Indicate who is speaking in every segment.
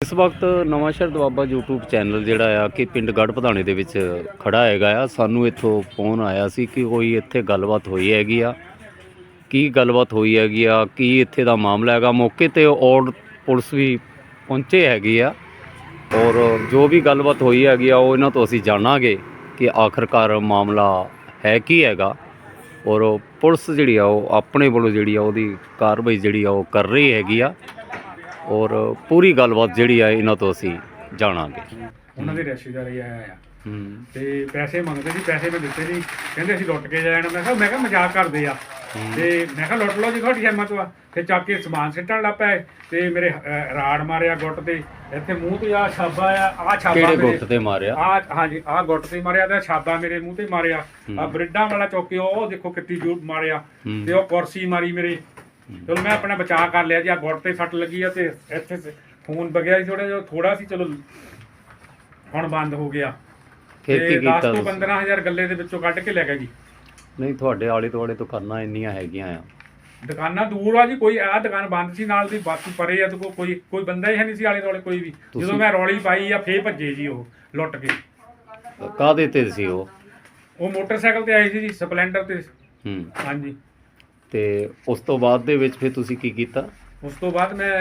Speaker 1: ਇਸ ਵਕਤ Nawanshahr Doaba YouTube channel ਜਿਹੜਾ ਆ ਕਿ ਪਿੰਡ ਗੜ੍ਹ ਪਧਾਣੇ ਦੇ ਵਿੱਚ ਖੜਾ ਹੈਗਾ ਆ। ਸਾਨੂੰ ਇੱਥੋਂ ਫੋਨ ਆਇਆ ਸੀ ਕਿ ਕੋਈ ਇੱਥੇ ਗੱਲਬਾਤ ਹੋਈ ਹੈਗੀ ਆ। ਕੀ ਗੱਲਬਾਤ ਹੋਈ ਹੈਗੀ ਆ, ਕੀ ਇੱਥੇ ਦਾ ਮਾਮਲਾ ਹੈਗਾ। ਮੌਕੇ 'ਤੇ ਔਰ ਪੁਲਿਸ ਵੀ ਪਹੁੰਚੇ ਹੈਗੀ ਆ ਔਰ ਜੋ ਵੀ ਗੱਲਬਾਤ ਹੋਈ ਹੈਗੀ ਆ ਉਹ ਇਹਨਾਂ ਤੋਂ ਅਸੀਂ ਜਾਣਾਂਗੇ ਕਿ ਆਖਰਕਾਰ ਮਾਮਲਾ ਹੈ ਕੀ ਹੈਗਾ। ਔਰ ਪੁਲਿਸ ਜਿਹੜੀ ਆ ਉਹ ਆਪਣੇ ਵੱਲੋਂ ਜਿਹੜੀ ਆ ਉਹਦੀ ਕਾਰਵਾਈ ਜਿਹੜੀ ਆ ਉਹ ਕਰ ਰਹੀ ਹੈਗੀ ਆ ਔਰ ਪੂਰੀ ਗੱਲਬਾਤ ਜਿਹੜੀ ਆ ਇਹਨਾਂ ਤੋਂ ਅਸੀਂ ਜਾਣਾਂਗੇ।
Speaker 2: ਉਹਨਾਂ ਦੇ ਰਿਸ਼ਤੇਦਾਰ ਹੀ ਆਇਆ ਆ ਤੇ ਪੈਸੇ ਮੰਗਦੇ ਸੀ, ਪੈਸੇ ਮੈਂ ਦਿੱਤੇ ਨਹੀਂ, ਕਹਿੰਦੇ ਅਸੀਂ ਲੁੱਟ ਕੇ ਜਾਣਾ। ਮੈਂ ਕਿਹਾ ਮਜ਼ਾਕ ਕਰਦੇ ਆ ਤੇ ਮੈਂ ਕਿਹਾ ਲੁੱਟ ਲਓ ਜੀ ਤੁਹਾਡੀ ਹਿੰਮਤ ਵਾ। ਫਿਰ ਚੱਕ ਕੇ ਸਮਾਨ ਸਿੱਟਣ ਲੱਗ ਪਏ ਤੇ ਮੇਰੇ ਰਾੜ ਮਾਰਿਆ ਗੁੱਟ ਤੇ, ਇੱਥੇ ਮੂੰਹ ਤੇ ਆ ਛਾਬਾ ਆ ਛਾਬਾ
Speaker 1: ਕਿਹੜੇ ਗੁੱਟ ਤੇ ਮਾਰਿਆ?
Speaker 2: ਹਾਂਜੀ ਆਹ ਗੁੱਟ ਤੇ ਮਾਰਿਆ ਤੇ ਛਾਬਾ ਮੇਰੇ ਮੂੰਹ ਤੇ ਮਾਰਿਆ। ਆ ਬ੍ਰਿਡਾਂ ਵਾਲਾ ਚੌਕੇ ਉਹ ਦੇਖੋ ਕਿੱਤੀ ਜੂਟ ਮਾਰਿਆ ਤੇ ਉਹ ਕੁਰਸੀ ਮਾਰੀ ਮੇਰੇ। ਚਲੋ ਮੈਂ ਆਪਣਾ ਬਚਾਅ ਕਰ ਲਿਆ ਜੀ। ਆ ਗੁੱਟ ਤੇ ਸੱਟ ਲੱਗੀ ਆ ਤੇ ਇੱਥੇ ਖੂਨ ਵਗਿਆ ਸੀ ਥੋੜਾ ਸੀ, ਚਲੋ ਹੁਣ ਬੰਦ ਹੋ ਗਿਆ।
Speaker 1: ਫਿਰ ਕੀ ਕੀਤਾ?
Speaker 2: 10 ਤੋਂ 15000 ਗੱਲੇ ਦੇ ਵਿੱਚੋਂ ਕੱਢ ਕੇ ਲੈ ਗਿਆ ਜੀ।
Speaker 1: ਨਹੀਂ ਤੁਹਾਡੇ ਆਲੇ ਦੁਆਲੇ ਦੁਕਾਨਾਂ ਇੰਨੀਆਂ ਹੈਗੀਆਂ ਆ?
Speaker 2: ਦੁਕਾਨਾਂ ਦੂਰ ਆ ਜੀ, ਕੋਈ ਆਹ ਦੁਕਾਨ ਬੰਦ ਸੀ, ਨਾਲ ਦੀ ਬਾਕੀ ਪਰੇ ਆ ਤੇ ਕੋਈ ਬੰਦਾ ਹੀ ਹੈ ਨਹੀਂ ਸੀ ਆਲੇ ਦੁਆਲੇ ਕੋਈ ਵੀ। ਜਦੋਂ ਮੈਂ ਰੌਲੀ ਪਾਈ ਆ ਫੇਰ ਭੱਜੇ ਜੀ ਉਹ ਲੁੱਟ ਕੇ।
Speaker 1: ਕਾਹਦੇ ਤੇ ਸੀ ਉਹ?
Speaker 2: ਉਹ ਮੋਟਰਸਾਈਕਲ ਤੇ ਆਏ ਸੀ ਜੀ, ਸਪਲੈਂਡਰ ਤੇ। ਹਾਂਜੀ।
Speaker 1: ਤੇ ਉਸ ਤੋਂ ਬਾਅਦ ਦੇ ਵਿੱਚ ਫਿਰ ਤੁਸੀਂ ਕੀ ਕੀਤਾ?
Speaker 2: ਉਸ ਤੋਂ ਬਾਅਦ ਮੈਂ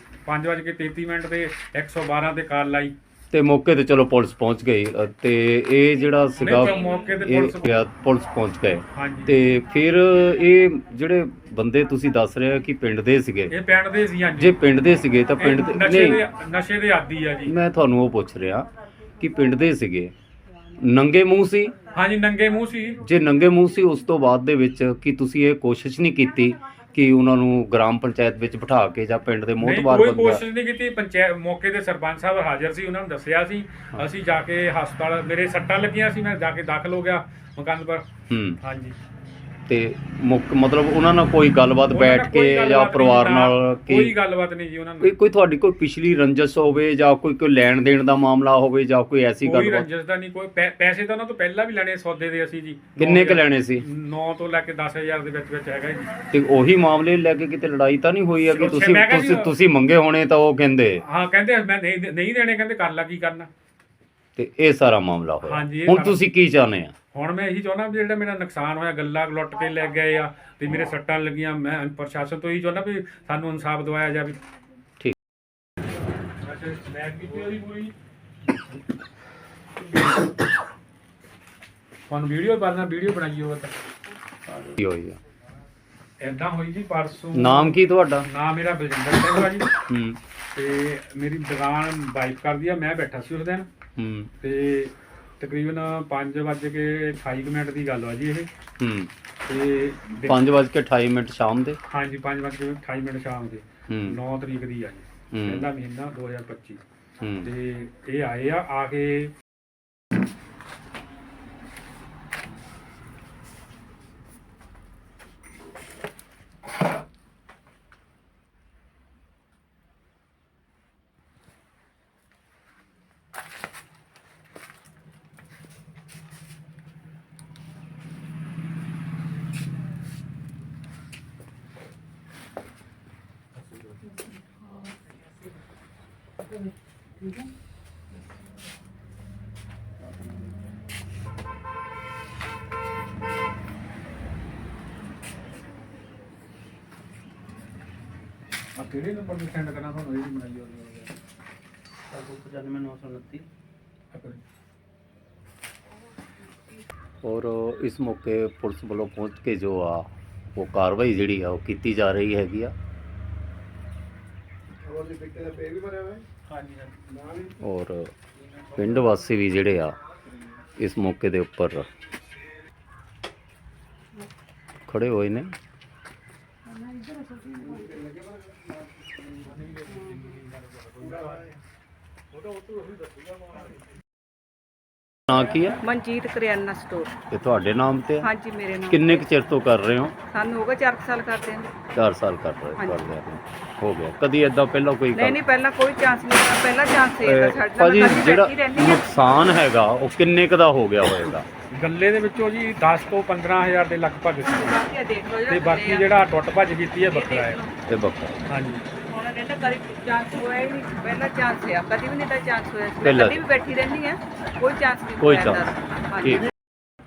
Speaker 2: 5:33 ਤੇ 112 ਤੇ ਕਾਲ ਲਾਈ
Speaker 1: ਤੇ ਮੌਕੇ ਤੇ ਚਲੋ ਪੁਲਿਸ ਪਹੁੰਚ ਗਈ ਤੇ ਇਹ ਜਿਹੜਾ ਸੀਗਾ
Speaker 2: ਮੌਕੇ ਤੇ
Speaker 1: ਪੁਲਿਸ ਪਹੁੰਚ ਗਏ।
Speaker 2: ਹਾਂਜੀ।
Speaker 1: ਤੇ ਫਿਰ ਇਹ ਜਿਹੜੇ ਬੰਦੇ ਤੁਸੀਂ ਦੱਸ ਰਹੇ ਹੋ ਕਿ ਪਿੰਡ ਦੇ ਸੀਗੇ,
Speaker 2: ਇਹ ਪਿੰਡ ਦੇ ਸੀ। ਹਾਂਜੀ।
Speaker 1: ਜੇ ਪਿੰਡ ਦੇ ਸੀਗੇ ਤਾਂ ਪਿੰਡ ਦੇ
Speaker 2: ਨਸ਼ੇ ਦੇ ਆਦੀ ਆ ਜੀ।
Speaker 1: ਮੈਂ ਤੁਹਾਨੂੰ ਉਹ ਪੁੱਛ ਰਿਹਾ ਕਿ ਪਿੰਡ ਦੇ ਸੀਗੇ, ਨੰਗੇ ਮੂੰਹ ਸੀ?
Speaker 2: ਹਾਂਜੀ ਨੰਗੇ ਮੂੰਹ ਸੀ। ਜੇ
Speaker 1: ਨੰਗੇ ਮੂੰਹ ਸੀ ਉਸ ਤੋਂ ਬਾਅਦ ਦੇ ਵਿੱਚ ਕੀ ਤੁਸੀਂ ਇਹ ਕੋਸ਼ਿਸ਼ ਨਹੀਂ ਕੀਤੀ ਕਿ ਉਹਨਾਂ ਨੂੰ ਗ੍ਰਾਮ ਪੰਚਾਇਤ ਵਿੱਚ ਬਿਠਾ ਕੇ ਜਾਂ ਪਿੰਡ ਦੇ ਮੋਹਤਬਾਰ
Speaker 2: ਕੋਈ ਕੋਸ਼ਿਸ਼ ਨਹੀਂ ਕੀਤੀ। ਪੰਚਾਇਤ ਮੌਕੇ ਤੇ ਸਰਪੰਚ ਸਾਹਿਬ ਹਾਜ਼ਰ ਸੀ, ਉਹਨਾਂ ਨੂੰ ਦੱਸਿਆ ਸੀ। ਅਸੀਂ ਜਾ ਕੇ ਹਸਪਤਾਲ, ਮੇਰੇ ਸੱਟਾਂ ਲੱਗੀਆਂ ਸੀ, ਮੈਂ ਜਾ ਕੇ ਦਾਖਲ ਹੋ ਗਿਆ ਮੁਕੰਦਪੁਰ। ਹਾਂਜੀ। ਤੇ
Speaker 1: ਮਤਲਬ ਉਹਨਾਂ ਨਾਲ ਕੋਈ ਗੱਲਬਾਤ ਬੈਠ ਕੇ ਜਾਂ ਪਰਿਵਾਰ ਨਾਲ
Speaker 2: ਕੋਈ ਗੱਲਬਾਤ ਨਹੀਂ ਜੀ ਉਹਨਾਂ ਨੂੰ?
Speaker 1: ਕੋਈ ਤੁਹਾਡੀ ਕੋਈ ਪਿਛਲੀ ਰੰਜਿਸ਼ ਹੋਵੇ ਜਾਂ ਕੋਈ ਲੈਣ ਦੇਣ ਦਾ ਮਾਮਲਾ ਹੋਵੇ ਜਾਂ ਕੋਈ ਐਸੀ ਗੱਲ?
Speaker 2: ਕੋਈ ਰੰਜਿਸ਼ ਦਾ ਨਹੀਂ, ਕੋਈ ਪੈਸੇ ਤਾਂ ਉਹਨਾਂ ਤੋਂ ਪਹਿਲਾਂ ਵੀ ਲੈਣੇ ਸੌਦੇ ਦੇ ਅਸੀਂ ਜੀ।
Speaker 1: ਕਿੰਨੇ ਕ ਲੈਣੇ ਸੀ?
Speaker 2: 9 ਤੋਂ ਲੈ ਕੇ 10000 ਦੇ ਵਿੱਚ ਹੈਗਾ ਜੀ।
Speaker 1: ਤੇ ਉਹੀ ਮਾਮਲੇ ਲੈ ਕੇ ਕਿਤੇ ਲੜਾਈ ਤਾਂ ਨਹੀਂ ਹੋਈ ਹੈਗੀ? ਤੁਸੀਂ ਮੰਗੇ ਹੋਣੇ ਤਾਂ ਉਹ ਕਹਿੰਦੇ?
Speaker 2: ਹਾਂ ਕਹਿੰਦੇ ਮੈਂ ਨਹੀਂ ਦੇਣੇ, ਕਹਿੰਦੇ ਕਰ ਲਾ ਕੀ ਕਰਨਾ।
Speaker 1: ਤੇ ਇਹ ਸਾਰਾ ਮਾਮਲਾ ਹੋਇਆ। ਹੁਣ ਤੁਸੀਂ ਕੀ ਚਾਹੁੰਦੇ ਆ?
Speaker 2: ਹੁਣ ਮੈਂ ਇਹੀ ਚਾਹੁੰਦਾ ਵੀ ਜਿਹੜਾ ਮੇਰਾ ਨੁਕਸਾਨ ਹੋਇਆ, ਗੱਲਾਂ ਲੁੱਟ ਕੇ ਲੈ ਗਏ ਆ ਤੇ ਮੇਰੇ ਸੱਟਾਂ ਲੱਗੀਆਂ, ਮੈਂ ਪ੍ਰਸ਼ਾਸਨ ਤੋਂ ਇਹੀ ਚਾਹੁੰਦਾ ਵੀ ਸਾਨੂੰ ਇਨਸਾਫ ਦਿਵਾਇਆ ਜਾਵੇ।
Speaker 1: ਠੀਕ।
Speaker 2: ਤੁਹਾਨੂੰ ਵੀਡੀਓ ਬਣਾਈ ਹੋਵੇ ਤਾਂ
Speaker 1: ਕੀ ਹੋਈ ਆ?
Speaker 2: ਏਦਾਂ ਹੋਈ ਜੀ ਪਰਸੋਂ।
Speaker 1: ਨਾਮ ਕੀ ਤੁਹਾਡਾ?
Speaker 2: ਨਾਮ ਮੇਰਾ ਬਲਜਿੰਦਰ ਸਿੰਘ ਆ ਜੀ। ਤੇ ਮੇਰੀ ਦੁਕਾਨ ਵਾਈਫ ਕਰਦੀ ਆ, ਮੈਂ ਬੈਠਾ ਸੀ ਉਸ ਦਿਨ। ਤੇ ਤਕਰੀਬਨ 5:28 ਦੀ ਗੱਲ ਆ ਜੀ ਇਹ। ਤੇ
Speaker 1: 5:28 ਸ਼ਾਮ ਦੇ?
Speaker 2: ਹਾਂਜੀ 5:28 ਸ਼ਾਮ ਦੇ 9 ਤਰੀਕ ਦੀ ਆ ਜੀ, ਪਹਿਲਾ ਮਹੀਨਾ 2025। ਤੇ ਇਹ ਆਏ ਆ ਕੇ ਕਿਹੜੇ ਨੰਬਰ ਤੇ ਸੈਂਡ ਕਰਨਾ ਤੁਹਾਨੂੰ? ਇਹ ਬਣਾਈ ਹੋਈ ਹੈ
Speaker 1: 95,929। ਔਰ ਇਸ ਮੌਕੇ ਪੁਲਿਸ ਵੱਲੋਂ ਪਹੁੰਚ ਕੇ ਜੋ ਆ ਉਹ ਕਾਰਵਾਈ ਜਿਹੜੀ ਆ ਉਹ ਕੀਤੀ ਜਾ ਰਹੀ ਹੈਗੀ ਆ। ਔਰ ਪਿੰਡ ਵਾਸੀ ਵੀ ਜਿਹੜੇ ਆ ਇਸ ਮੌਕੇ ਦੇ ਉੱਪਰ ਖੜੇ ਹੋਏ ਨੇ। ਨਾਂ ਕੀ ਹੈ?
Speaker 3: ਮਨਜੀਤ ਕਰਿਆਨਾ ਸਟੋਰ।
Speaker 1: ਤੇ ਤੁਹਾਡੇ ਨਾਮ ਤੇ?
Speaker 3: ਹਾਂਜੀ ਮੇਰੇ ਨਾਮ।
Speaker 1: ਕਿੰਨੇ ਕੁ ਚਿਰ ਤੋਂ ਕਰ ਰਹੇ ਹੋ?
Speaker 3: ਸਾਨੂੰ ਹੋ ਗਏ 4 ਸਾਲ ਕਰਦੇ ਹਾਂ।
Speaker 1: 4 ਸਾਲ ਕਰ ਰਹੇ ਹੋ ਗਿਆ। ਕਦੀ ਏਦਾਂ ਪਹਿਲਾਂ ਕੋਈ
Speaker 3: ਨਹੀਂ ਪਹਿਲਾਂ ਕੋਈ ਚਾਂਸ ਨਹੀਂ, ਪਹਿਲਾ ਚਾਂਸ ਇਹ ਸਾਡਾ।
Speaker 1: ਭਾਜੀ ਜਿਹੜਾ ਨੁਕਸਾਨ ਹੈਗਾ ਉਹ ਕਿੰਨੇ ਕੁ ਦਾ ਹੋ ਗਿਆ ਹੋਵੇਗਾ?
Speaker 2: ਗੱਲੇ ਦੇ ਵਿੱਚੋਂ ਜੀ 10 ਤੋਂ 15000 ਦੇ ਲਗਭਗ ਸੀ। ਤੇ ਬਾਕੀ ਜਿਹੜਾ ਟੁੱਟ ਭੱਜ ਕੀਤੀ ਹੈ ਬੱਕਰਾ ਹੈ।
Speaker 1: ਤੇ ਬੱਕਰਾ।
Speaker 2: ਹਾਂਜੀ।
Speaker 3: ਕਹਿੰਦਾ ਕਦੀ ਚਾਂਸ ਹੋਇਆ ਹੀ ਨਹੀਂ, ਪਹਿਲਾ ਚਾਂਸ ਆ, ਕਦੀ ਵੀ ਨਹੀਂ ਤਾਂ ਚਾਂਸ ਹੋਇਆ ਸੀ। ਮੈਂ
Speaker 1: ਪਹਿਲਾ।
Speaker 3: ਕਦੀ ਵੀ ਬੈਠੀ ਰਹਿੰਦੀ ਆ, ਕੋਈ ਚਾਂਸ ਨਹੀਂ
Speaker 1: ਕੋਈ
Speaker 3: ਹੋਇਆ
Speaker 1: chance
Speaker 3: ਇਹਦਾ। ਹਾਂਜੀ।
Speaker 1: ਠੀਕ।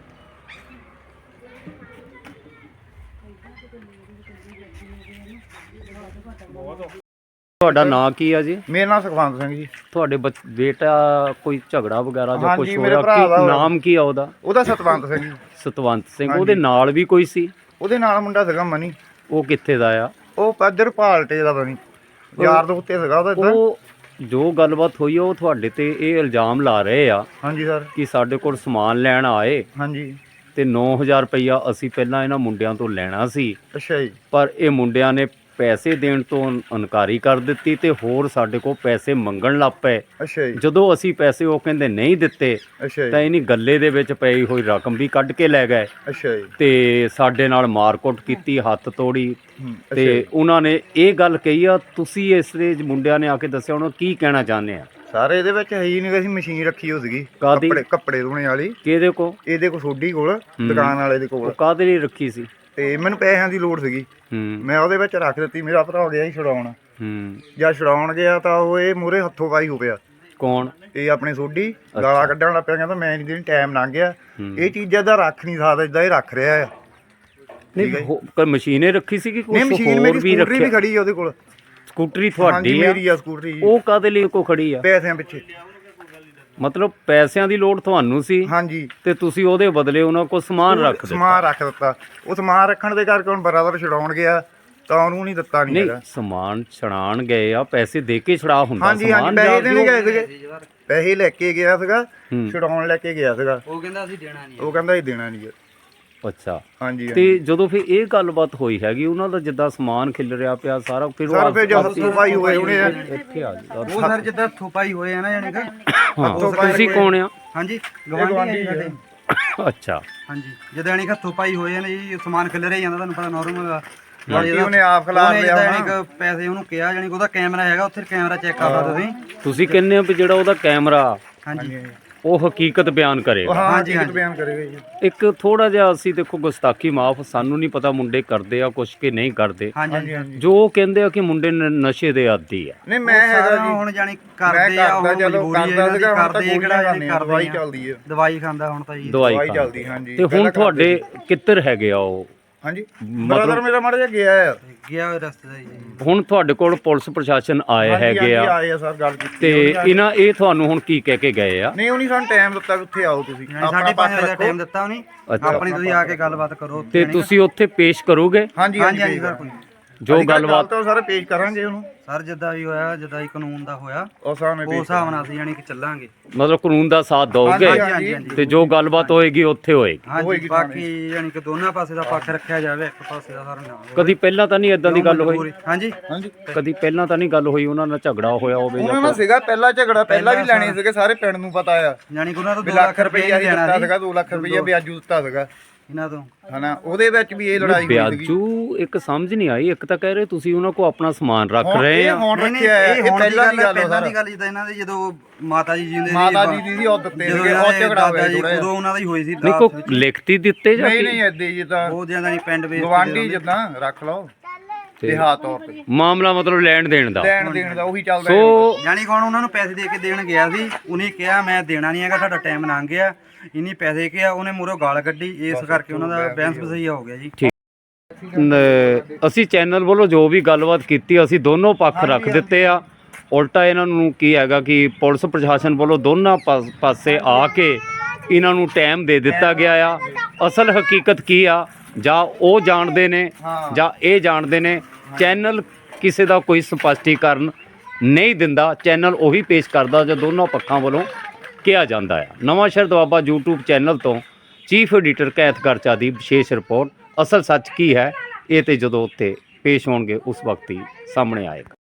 Speaker 1: ਤੁਹਾਡਾ ਨਾਂ ਕੀ ਆ ਜੀ?
Speaker 4: ਮੇਰਾ ਨਾਮ ਸੁਖਵੰਤ ਸਿੰਘ ਜੀ।
Speaker 1: ਤੁਹਾਡੇ ਬੇਟਾ ਕੋਈ ਝਗੜਾ ਵਗੈਰਾ ਜਾਂ
Speaker 4: ਹਾਂਜੀ,
Speaker 1: ਕੁਝ
Speaker 4: ਮੇਰੇ
Speaker 1: ਹੋਇਆ?
Speaker 4: ਭਰਾ ਦਾ
Speaker 1: ਕੀ
Speaker 4: ਹੋਇਆ।
Speaker 1: ਨਾਮ ਕੀ ਆ ਉਹਦਾ?
Speaker 4: ਉਹਦਾ ਸਤਵੰਤ ਸਿੰਘ ਜੀ।
Speaker 1: ਸਤਵੰਤ ਸਿੰਘ।
Speaker 4: ਹਾਂਜੀ।
Speaker 1: ਉਹਦੇ ਨਾਲ ਵੀ ਕੋਈ ਸੀ?
Speaker 4: ਉਹਦੇ ਨਾਲ ਮੁੰਡਾ ਸੀਗਾ ਮਨੀ।
Speaker 1: ਉਹ ਕਿੱਥੇ ਦਾ ਆ?
Speaker 4: ਉਹ ਪੱਧਰ ਭਾਲਟੇ ਦਾ ਬਣੀ ਯਾਰ ਦੋਸਤ ਸੀਗਾ ਉਹਦਾ ਇੱਧਰ।
Speaker 1: ਉਹ ਜੋ ਗੱਲਬਾਤ ਹੋਈ ਆ, ਉਹ ਤੁਹਾਡੇ ਤੇ ਇਹ ਇਲਜ਼ਾਮ ਲਾ ਰਹੇ ਆ
Speaker 4: ਹਾਂਜੀ ਸਰ।
Speaker 1: ਕਿ ਸਾਡੇ ਕੋਲ ਸਮਾਨ ਲੈਣ ਆਏ
Speaker 4: ਹਾਂਜੀ।
Speaker 1: ਤੇ 9000 ਰੁਪਈਆ ਅਸੀਂ ਪਹਿਲਾਂ ਇਹਨਾਂ ਮੁੰਡਿਆਂ ਤੋਂ ਲੈਣਾ ਸੀ,
Speaker 4: ਅੱਛਾ ਜੀ।
Speaker 1: ਪਰ ਇਹ ਮੁੰਡਿਆਂ ਨੇ ਪੈਸੇ ਦੇਣ ਤੋਂ ਇਨਕਾਰੀ ਕਰ ਦਿੱਤੀ ਤੇ ਹੋਰ ਸਾਡੇ ਕੋਲ ਪੈਸੇ ਮੰਗਣ ਲੱਗ ਪਏ।
Speaker 4: ਅੱਛਾ ਜੀ।
Speaker 1: ਜਦੋਂ ਅਸੀਂ ਪੈਸੇ ਉਹ ਕਹਿੰਦੇ ਨਹੀਂ ਦਿੱਤੇ
Speaker 4: ਅੱਛਾ
Speaker 1: ਤਾਂ
Speaker 4: ਜੀ।
Speaker 1: ਇਹਨੀ ਗੱਲੇ ਦੇ ਵਿੱਚ ਪਈ ਹੋਈ ਰਕਮ ਵੀ ਕੱਢ ਕੇ ਲੈ ਗਏ
Speaker 4: ਅੱਛਾ ਜੀ।
Speaker 1: ਤੇ ਸਾਡੇ ਨਾਲ ਮਾਰਕੁੱਟ ਕੀਤੀ, ਹੱਥ ਤੋੜੀ।
Speaker 4: ਅੱਛਾ
Speaker 1: ਤੇ
Speaker 4: ਜੀ।
Speaker 1: ਉਹਨਾਂ ਨੇ ਇਹ ਗੱਲ ਕਹੀ ਆ, ਤੁਸੀਂ ਇਸ ਦੇ ਮੁੰਡਿਆਂ ਨੇ ਆ ਕੇ ਦੱਸਿਆ ਉਹਨਾਂ ਕੀ ਕਹਿਣਾ ਚਾਹੁੰਦੇ ਆ?
Speaker 4: ਸਾਰੇ ਇਹਦੇ ਵਿੱਚ ਹੈ ਹੀ ਨਹੀਂ, ਅਸੀਂ ਮਸ਼ੀਨ ਰੱਖੀ ਹੋ ਸੀਗੀ
Speaker 1: ਕਾਹਦੀ?
Speaker 4: ਕੱਪੜੇ ਧੋਣੇ ਵਾਲੀ।
Speaker 1: ਕਿਹਦੇ ਕੋ?
Speaker 4: ਇਹਦੇ ਕੋਲ ਸੋਢੀ ਕੋਲ, ਦੁਕਾਨ ਵਾਲੇ ਦੇ
Speaker 1: ਉਹ
Speaker 4: ਕੋਲ।
Speaker 1: ਕਾਹਦੇ ਲਈ ਰੱਖੀ ਸੀ?
Speaker 4: ਤੇ ਮੈਨੂੰ ਪੈਸਿਆਂ ਦੀ ਲੋੜ ਸੀਗੀ, ਮੈਂ ਉਹਦੇ ਵਿੱਚ ਰੱਖ ਦਿੱਤੀ। ਮੇਰਾ ਭਰਾ ਗਿਆ ਸੀ ਛੁਡਾਉਣ। ਜਾਂ ਛੁਡਾਉਣ ਗਿਆ ਤਾਂ ਉਹ ਇਹ ਮੂਹਰੇ ਹੱਥੋਂ ਪਾਈ ਹੋ ਪਿਆ।
Speaker 1: ਕੌਣ?
Speaker 4: ਇਹ ਆਪਣੇ ਸੋਢੀ ਗਾਲਾਂ ਕੱਢਣ ਲੱਗ ਪਿਆ, ਕਹਿੰਦਾ ਮੈਂ ਨਹੀਂ ਦੇਣੀ, ਟਾਈਮ ਲੰਘ ਗਿਆ। ਇਹ ਚੀਜ਼ਾਂ ਦਾ ਰੱਖ ਨਹੀਂ ਸਕਦਾ, ਇਦਾਂ ਇਹ ਰੱਖ ਰਿਹਾ ਆ।
Speaker 1: ਨਹੀਂ ਕੋਈ ਮਸ਼ੀਨੇ ਰੱਖੀ ਸੀ ਕਿ
Speaker 4: ਨਹੀਂ,
Speaker 1: ਕੁਝ
Speaker 4: ਮਸ਼ੀਨ
Speaker 1: ਹੋਰ
Speaker 4: ਮੇਰੀ
Speaker 1: ਵੀ
Speaker 4: ਸਕੂਟਰੀ ਵੀ
Speaker 1: ਰੱਖਿਆ?
Speaker 4: ਖੜੀ ਆ ਉਹਦੇ ਕੋਲ।
Speaker 1: ਸਕੂਟਰੀ
Speaker 4: ਹਾਂਜੀ,
Speaker 1: ਤੁਹਾਡੀ ਆ?
Speaker 4: ਮੇਰੀ ਆ ਸਕੂਟਰੀ ਜੀ।
Speaker 1: ਉਹ ਕਾਹਦੇ ਲਈ ਕੋ ਖੜੀ ਆ?
Speaker 4: ਪੈਸਿਆਂ ਪਿੱਛੇ।
Speaker 1: ਮਤਲਬ ਪੈਸਿਆਂ ਦੀ ਲੋੜ ਤੁਹਾਨੂੰ ਸੀ
Speaker 4: ਹਾਂਜੀ।
Speaker 1: ਤੇ ਤੁਸੀਂ ਉਹਦੇ ਬਦਲੇ ਉਹਨਾਂ ਕੋਲ ਸਮਾਨ ਰੱਖ ਦਿੱਤਾ?
Speaker 4: ਸਮਾਨ ਰੱਖ ਦਿੱਤਾ। ਉਹ ਸਮਾਨ ਰੱਖਣ ਦੇ ਕਰਕੇ ਹੁਣ ਬਰਾਦਰ ਛਡਾਉਣ ਗਿਆ ਤਾਂ ਉਹਨੂੰ ਨਹੀਂ ਦਿੱਤਾ ਨਹੀਂ
Speaker 1: ਨਹੀਂ,
Speaker 4: ਹੈਗਾ।
Speaker 1: ਸਮਾਨ ਛੜਾਣ ਗਏ ਆ, ਪੈਸੇ ਦੇ ਕੇ ਛੜਾ ਹੁੰਦਾ
Speaker 4: ਹਾਂਜੀ ਹਾਂਜੀ, ਪੈਸੇ ਦੇਣ ਗਏ ਸੀਗੇ, ਪੈਸੇ ਲੈ ਕੇ ਗਿਆ ਸੀਗਾ,
Speaker 1: ਹੂੰ।
Speaker 4: ਛਡਾਉਣ ਲੈ ਕੇ ਗਿਆ ਸੀਗਾ।
Speaker 3: ਉਹ ਕਹਿੰਦਾ ਅਸੀਂ ਦੇਣਾ ਨਹੀਂ।
Speaker 4: ਉਹ ਕਹਿੰਦਾ ਇਹ ਦੇਣਾ ਨਹੀਂ ਹੈ।
Speaker 1: ਅੱਛਾ।
Speaker 4: ਹਾਂਜੀ
Speaker 1: ਤੇ ਜਦੋਂ ਫਿਰ ਇਹ ਗੱਲਬਾਤ ਹੋਈ ਹੈਗੀ, ਉਹਨਾਂ ਦਾ ਜਿੱਦਾਂ ਸਮਾਨ ਖਿਲ ਰਿਹਾ ਪਿਆ ਸਾਰਾ, ਫਿਰ ਉਹ
Speaker 4: ਸਰ ਫਿਰ ਜੋ ਹੱਥੋਂ ਪਾਈ ਹੋਏ ਉਹਨੇ
Speaker 1: ਇੱਥੇ ਆ ਜੀ।
Speaker 5: ਉਹ ਸਰ ਜਿੱਦਾਂ ਥੋਪਾਈ ਹੋਏ ਆ ਨਾ, ਯਾਨੀ ਕਿ
Speaker 1: ਹਾਂ, ਤੁਸੀਂ ਕੌਣ ਆ?
Speaker 5: ਹਾਂਜੀ ਗਵਾਂਢੀ ਆ ਸਾਡੇ।
Speaker 1: ਅੱਛਾ।
Speaker 5: ਹਾਂਜੀ, ਜਦੋਂ ਯਾਨੀ ਕਿ ਥੋਪਾਈ ਹੋਏ ਆ ਨਾ ਜੀ, ਸਮਾਨ ਖਿਲ ਰਿਹਾ ਜਾਂਦਾ, ਤੁਹਾਨੂੰ ਪਤਾ ਨਾਰਮਲ ਆ।
Speaker 4: ਬਾਕੀ ਉਹਨੇ ਆਪ ਖਿਲਾਰ ਲਿਆ
Speaker 5: ਯਾਨੀ
Speaker 4: ਹੋਣਾ।
Speaker 5: ਕਿ ਪੈਸੇ ਉਹਨੂੰ ਕਿਹਾ, ਯਾਨੀ ਕਿ ਉਹਦਾ ਕੈਮਰਾ ਹੈਗਾ ਉੱਥੇ, ਕੈਮਰਾ ਚੈੱਕ ਕਰ ਲਓ ਤੁਸੀਂ।
Speaker 1: ਤੁਸੀਂ ਕਹਿੰਦੇ ਹੋ ਵੀ ਜਿਹੜਾ ਉਹਦਾ ਕੈਮਰਾ
Speaker 5: ਹਾਂਜੀ
Speaker 1: ਉਹ ਹਕੀਕਤ ਬਿਆਨ ਕਰੇਗਾ?
Speaker 4: ਹਾਂਜੀ ਹਾਂਜੀ, ਬਿਆਨ ਕਰੇਗਾ ਜੀ।
Speaker 1: ਇੱਕ ਥੋੜਾ ਜਿਹਾ ਅਸੀਂ ਦੇਖੋ ਗੁਸਤਾਖੀ ਮਾਫ, ਸਾਨੂੰ ਨਹੀਂ ਪਤਾ ਮੁੰਡੇ ਕਰਦੇ ਆ ਕੁਛ ਕਿ ਨਹੀਂ ਕਰਦੇ।
Speaker 5: ਹਾਂਜੀ
Speaker 4: ਹਾਂਜੀ।
Speaker 1: ਜੋ ਉਹ ਕਹਿੰਦੇ ਆ ਕਿ ਮੁੰਡੇ ਨਸ਼ੇ ਦੇ ਆਦੀ ਆ।
Speaker 4: ਨਹੀਂ ਮੈਂ ਹੈਗਾ ਜੀ,
Speaker 5: ਹੁਣ ਯਾਨੀ
Speaker 4: ਮੈਂ
Speaker 5: ਕਰਦੇ ਆ, ਉਹ
Speaker 4: ਕਰਦਾ ਜਦੋਂ
Speaker 5: ਮਜਬੂਰੀ
Speaker 4: ਕਰਦਾ
Speaker 5: ਹੈ
Speaker 4: ਸੀਗਾ, ਹੁਣ ਤਾਂ
Speaker 5: ਕਰਦੇ ਕਿਹੜਾ ਯਾਨੀ
Speaker 4: ਦਵਾਈ
Speaker 5: ਕਰਦੇ ਆ।
Speaker 4: ਚੱਲਦੀ ਹੈ।
Speaker 5: ਦਵਾਈ ਖਾਂਦਾ ਹੁਣ ਤਾਂ ਜੀ।
Speaker 1: ਦਵਾਈ
Speaker 4: ਦਵਾਈ
Speaker 1: ਖਾਂਦਾ।
Speaker 4: ਚੱਲਦੀ, ਹਾਂਜੀ।
Speaker 1: ਤੇ ਹੁਣ
Speaker 4: ਪਹਿਲਾਂ
Speaker 1: ਤੁਹਾਡੇ ਕਿੱਧਰ ਹੈਗੇ ਆ ਉਹ?
Speaker 4: ਹਾਂਜੀ, ਬ੍ਰਦਰ ਮੇਰਾ ਮਾੜਾ ਜਿਹਾ ਗਿਆ ਆ।
Speaker 5: ਗਿਆ ਹੋਇਆ ਰਸਤੇ ਦਾ ਜੀ।
Speaker 1: ਹੁਣ ਤੁਹਾਡੇ ਕੋਲ ਪੁਲਿਸ ਪ੍ਰਸ਼ਾਸਨ ਆਏ
Speaker 4: ਹਾਂਜੀ,
Speaker 1: ਹੈਗੇ
Speaker 4: ਹਾਂਜੀ,
Speaker 1: ਆ
Speaker 4: ਆਏ ਆ ਸਰ, ਗੱਲ ਕੀਤੀ
Speaker 1: ਤੇ
Speaker 4: ਉਹਨੇ।
Speaker 1: ਇਹ ਤੁਹਾਨੂੰ ਹੁਣ ਕੀ ਕਹਿ ਕੇ ਗਏ ਆ?
Speaker 4: ਨਹੀਂ, ਉਹਨੇ ਸਾਨੂੰ ਟਾਈਮ ਦਿੱਤਾ ਵੀ ਉੱਥੇ ਆਓ ਤੁਸੀਂ, ਆਪਣਾ
Speaker 5: 5:30
Speaker 4: ਪੱਖ
Speaker 5: ਵਜੇ ਦਾ
Speaker 4: ਰੱਖੋ।
Speaker 5: ਟਾਈਮ ਦਿੱਤਾ ਉਹਨੇ।
Speaker 1: ਅੱਛਾ।
Speaker 5: ਆਪਣੀ ਤੁਸੀਂ ਆ ਕੇ ਗੱਲਬਾਤ ਕਰੋ
Speaker 1: ਤੇ ਤੁਸੀਂ ਉੱਥੇ ਪੇਸ਼ ਕਰੋਗੇ
Speaker 4: ਹਾਂਜੀ
Speaker 5: ਹਾਂਜੀ
Speaker 4: ਹਾਂਜੀ
Speaker 5: ਸਰ, ਕੋਈ
Speaker 1: ਜੋ ਗੱਲਬਾਤ?
Speaker 4: ਤਾਂ ਸਾਰੇ ਪੇਸ਼ ਕਰਾਂਗੇ ਉਹਨੂੰ।
Speaker 5: ਸਰ ਜਿੱਦਾਂ ਵੀ ਹੋਇਆ, ਜਿੱਦਾਂ ਹੀ ਕਾਨੂੰਨ ਦਾ ਹੋਇਆ,
Speaker 4: ਉਸ ਹਿਸਾਬ ਨਾਲ
Speaker 5: ਉਸ ਹਿਸਾਬ ਨਾਲ ਅਸੀਂ ਯਾਨੀ ਕਿ ਚੱਲਾਂਗੇ।
Speaker 1: ਮਤਲਬ ਕਾਨੂੰਨ ਦਾ ਸਾਥ ਦੋਗੇ
Speaker 4: ਹਾਂਜੀ, ਹਾਂਜੀ।
Speaker 1: ਤੇ ਜੋ ਗੱਲਬਾਤ ਹੋਏਗੀ ਉੱਥੇ ਹੋਏਗੀ?
Speaker 5: ਹਾਂਜੀ,
Speaker 4: ਹੋਏਗੀ
Speaker 5: ਬਾਕੀ ਯਾਨੀ ਕਿ ਦੋਨਾਂ ਪਾਸੇ ਦਾ ਪੱਖ ਰੱਖਿਆ ਜਾਵੇ, ਇੱਕ ਪਾਸੇ ਦਾ ਸਾਰਾ ਨਾ ਹੋਵੇ।
Speaker 1: ਕਦੀ ਪਹਿਲਾਂ ਤਾਂ ਨਹੀਂ ਇਦਾਂ ਦੀ ਗੱਲ ਹੋਈ?
Speaker 5: ਹਾਂਜੀ
Speaker 4: ਹਾਂਜੀ,
Speaker 1: ਕਦੀ ਪਹਿਲਾਂ ਤਾਂ ਨਹੀਂ ਗੱਲ ਹੋਈ ਉਹਨਾਂ ਨਾਲ ਝਗੜਾ ਹੋਇਆ ਹੋਵੇ?
Speaker 4: ਉਹਨਾਂ ਨਾਲ ਸੀਗਾ ਪਹਿਲਾ ਝਗੜਾ, ਪਹਿਲਾਂ ਵੀ ਲੈਣੇ ਸੀਗੇ, ਸਾਰੇ ਪਿੰਡ ਨੂੰ ਪਤਾ ਆ।
Speaker 5: ਯਾਨੀ ਕਿ ਉਹਨਾਂ ਤੋਂ
Speaker 4: ਵੀ
Speaker 5: 2
Speaker 4: ਲੱਖ ਰੁਪਈਆ ਹੀ
Speaker 5: ਦੇਣਾ
Speaker 4: ਦਿੱਤਾ
Speaker 5: ਸੀ
Speaker 4: ਸੀਗਾ, 2 ਲੱਖ ਰੁਪਈਆ ਵਿਆਜੂ ਦਿੱਤਾ ਸੀਗਾ
Speaker 5: ਇਹਨਾਂ ਤੋਂ।
Speaker 4: ਹਨਾ। ਉਹਦੇ ਵਿੱਚ ਵੀ ਇਹ ਲੜਾਈ ਹੋਈ ਸੀਗੀ।
Speaker 1: ਵਿਆਜੂ ਇੱਕ ਸਮਝ ਨਹੀਂ ਆਈ। ਇੱਕ ਤਾਂ ਕਹਿ ਰਹੇ ਤੁਸੀਂ ਉਹਨਾਂ ਕੋ ਆਪਣਾ ਸਮਾਨ ਰੱਖ ਰਹੇ ਆ।
Speaker 4: ਹੁਣ
Speaker 5: ਨਹੀਂ,
Speaker 4: ਰੱਖਿਆ ਆ, ਇਹ
Speaker 5: ਹੁਣ
Speaker 4: ਪਹਿਲਾਂ ਦੀ ਗੱਲ ਆ
Speaker 5: ਪਹਿਲਾਂ ਦੀ
Speaker 4: ਸਰ।
Speaker 5: ਗੱਲ ਜਿੱਦਾਂ ਇਹਨਾਂ ਦੇ ਜਦੋਂ ਮਾਤਾ ਜੀ ਜਿਉਂਦੇ ਸੀ,
Speaker 4: ਮਾਤਾ ਜੀ ਦੀ ਉਹ ਦਿੱਤੇ
Speaker 5: ਜਦੋਂ
Speaker 4: ਸੀਗੇ, ਉਹ ਝਗੜਾ ਹੋਇਆ
Speaker 5: ਜੀ,
Speaker 4: ਥੋੜਾ
Speaker 5: ਉਦੋਂ ਉਹਨਾਂ ਦਾ ਹੀ ਹੋਈ ਸੀ।
Speaker 1: ਨਹੀਂ ਕੋ ਲਿਖਤੀ ਦਿੱਤੇ ਜਾਂ
Speaker 4: ਨਹੀਂ
Speaker 1: ਕੀ?
Speaker 4: ਨਹੀਂ, ਏਦਾਂ ਹੀ ਤਾਂ
Speaker 5: ਉਹ ਜਿਆਦਾ ਨਹੀਂ ਪਿੰਡ ਵੇਚ
Speaker 4: ਗਵਾਂਢੀ ਜਿੱਦਾਂ ਰੱਖ ਲਓ, ਦਿਹਾਤ ਤੌਰ ਤੇ
Speaker 1: ਮਾਮਲਾ ਮਤਲਬ ਲੈਣ ਦੇਣ ਦਾ।
Speaker 4: ਲੈਣ ਦੇਣ ਦਾ ਉਹੀ ਚੱਲਦਾ।
Speaker 1: ਸੋ
Speaker 5: ਯਾਨੀ ਕਿ ਹੁਣ ਉਹਨਾਂ ਨੂੰ ਪੈਸੇ ਦੇ ਕੇ ਦੇਣ ਗਿਆ ਸੀ, ਉਹਨੇ ਕਿਹਾ ਮੈਂ ਦੇਣਾ ਨਹੀਂ ਹੈਗਾ, ਤੁਹਾਡਾ ਟਾਈਮ ਲੰਘ ਗਿਆ, ਇੰਨੀ ਪੈਸੇ ਕਿਹਾ, ਉਹਨੇ ਮੂਹਰੋਂ ਗਾਲ ਕੱਢੀ, ਇਸ ਕਰਕੇ ਉਹਨਾਂ ਦਾ ਬੈਂਸ ਬਸਈਆ ਹੋ ਗਿਆ ਜੀ।
Speaker 1: ਅਸੀਂ ਚੈਨਲ ਵੱਲੋਂ ਜੋ ਵੀ ਗੱਲਬਾਤ ਕੀਤੀ ਅਸੀਂ ਦੋਨੋਂ ਪੱਖ ਰੱਖ ਦਿੱਤੇ ਆ। ਉਲਟਾ ਇਹਨਾਂ ਨੂੰ ਕੀ ਹੈਗਾ ਕਿ ਪੁਲਿਸ ਪ੍ਰਸ਼ਾਸਨ ਵੱਲੋਂ ਦੋਨਾਂ ਪਾਸੇ ਆ ਕੇ ਇਹਨਾਂ ਨੂੰ ਟਾਈਮ ਦੇ ਦਿੱਤਾ ਗਿਆ ਆ। ਅਸਲ ਹਕੀਕਤ ਕੀ ਆ ਜਾਂ ਉਹ ਜਾਣਦੇ ਨੇ ਜਾਂ ਇਹ ਜਾਣਦੇ ਨੇ। ਚੈਨਲ ਕਿਸੇ ਦਾ ਕੋਈ ਸਪਸ਼ਟੀਕਰਨ ਨਹੀਂ ਦਿੰਦਾ, ਚੈਨਲ ਉਹੀ ਪੇਸ਼ ਕਰਦਾ ਜੋ ਦੋਨੋਂ ਪੱਖਾਂ ਵੱਲੋਂ ਕਿਹਾ ਜਾਂਦਾ ਆ। ਨਵਾਂਸ਼ਹਿਰ ਦੁਆਬਾ YouTube ਚੈਨਲ ਤੋਂ ਚੀਫ ਐਡੀਟਰ ਕੈਥ ਗਰਚਾ ਦੀ ਵਿਸ਼ੇਸ਼ ਰਿਪੋਰਟ। ਅਸਲ ਸੱਚ ਕੀ ਹੈ ਇਹ ਤੇ ਜਦੋਂ ਉੱਤੇ ਪੇਸ਼ ਹੋਣਗੇ ਉਸ ਵਕਤ ਹੀ ਸਾਹਮਣੇ ਆਏਗਾ।